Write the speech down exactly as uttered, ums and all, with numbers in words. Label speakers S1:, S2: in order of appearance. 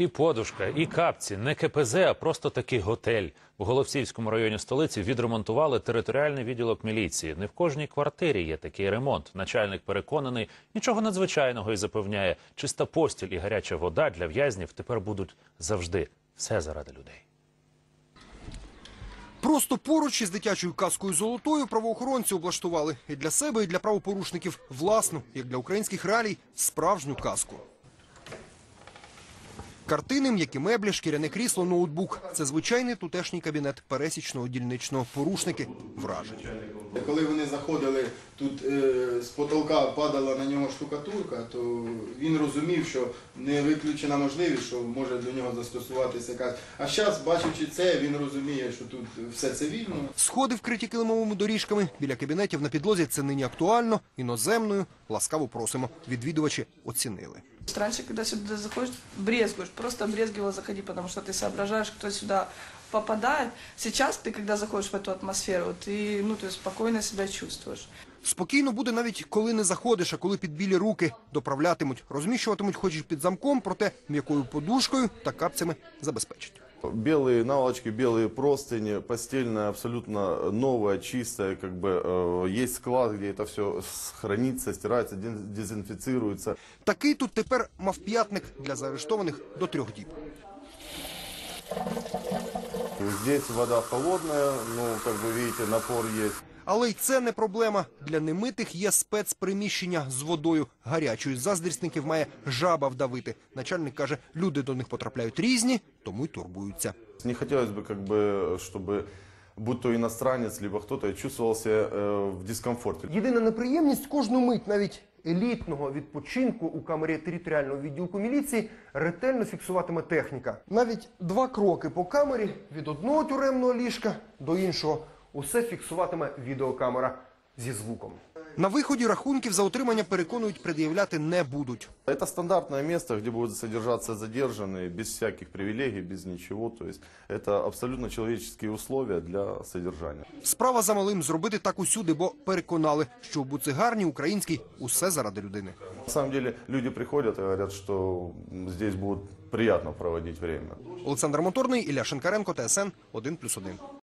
S1: І подушка, і капці, не ке пе зет, а просто такий готель. У Голосіївському районі столиці відремонтували територіальний відділок міліції. Не в кожній квартирі є такий ремонт. Начальник переконаний, нічого надзвичайного і запевняє, чиста постіль і гаряча вода для в'язнів тепер будуть завжди. Все заради людей.
S2: Просто поруч із дитячою казкою «Золотою» правоохоронці облаштували і для себе, і для правопорушників власну, як для українських реалій, справжню казку. Картини, м'які меблі, шкіряне крісло, ноутбук – це звичайний тутешній кабінет пересічного дільничного. Порушники вражені.
S3: Коли вони заходили, тут е, з потолка падала на нього штукатурка, то він розумів, що не виключена можливість, що може до нього застосуватися якась. А зараз, бачачи це, він розуміє, що тут все цивільно.
S2: Сходи вкриті килимовими доріжками. Біля кабінетів на підлозі це нині актуально, іноземною. Ласкаво просимо. Відвідувачі оцінили.
S4: Раньше, когда сюда заходишь, брезгуешь, просто брезгивал заходи, потому что ты соображаешь, кто сюда попадает. Сейчас ты, когда заходишь в эту атмосферу, ты, ну, ты спокойно себя чувствуешь.
S2: Спокійно буде навіть коли не заходиш, а коли під білі руки доправлятимуть, розміщуватимуть хоч і під замком, проте м'якою подушкою та капцями забезпечать.
S5: Белые наволочки, белые простыни, постельная абсолютно новая, чистая, как бы э, есть склад, где это все хранится, стирается, дезинфицируется.
S2: Такий тут тепер мавп'ятник для заарештованих до трьох діб.
S5: Здесь вода холодная, ну, как вы видите, напор есть.
S2: Але й це не проблема. Для немитих є спецприміщення з водою гарячою. Заздрісників має жаба вдавити. Начальник каже, люди до них потрапляють різні, тому й турбуються.
S5: Не хотелось бы, как бы, чтобы будь то иностранец, либо кто-то чувствовал себя э, в дискомфорте.
S2: Єдина неприємність – кожну мить, навіть елітного відпочинку у камері територіального відділку міліції ретельно фіксуватиме техніка. Навіть два кроки по камері від одного тюремного ліжка до іншого – усе фіксуватиме відеокамера зі звуком. На виході рахунків за утримання, переконують, пред'являти не будуть.
S5: Это стандартное место, где будут содержаться задержанные, без всяких привилегий, без ничего. То есть это абсолютно человеческие условия для содержания.
S2: Справа за малим – зробити так усюди, бо переконали, що в буцегарні українській усе заради людини.
S5: На самом деле люди приходят и говорят, что здесь будет приятно проводить время.
S2: Олександр Моторний, Ілля Шинкаренко, Т С Н один плюс один.